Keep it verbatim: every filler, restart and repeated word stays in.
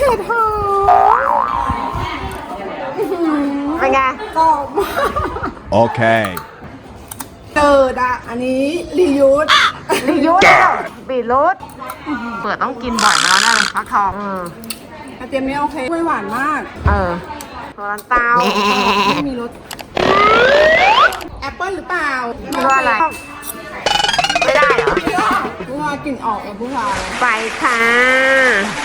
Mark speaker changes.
Speaker 1: เห็ดหอมเป็นไงกรอบมาก
Speaker 2: โอเค
Speaker 1: เจิดอ่ะอันนี้รียูส
Speaker 3: รียูสบีรูทเปิดต้องกินบ่อยมาแล้วนะฟักทอง
Speaker 1: กระเทียมนี่โอเคไม่หวานมาก
Speaker 3: เออโซลันเตา
Speaker 1: ไม่มีรสแอปเปิ้ลหรือเปล่า
Speaker 3: ไม่ว่าอะไรไม่ได้เหรอ
Speaker 1: ผู้ชายกลิ่นออกเออผู้ชาย
Speaker 3: ไปค่ะ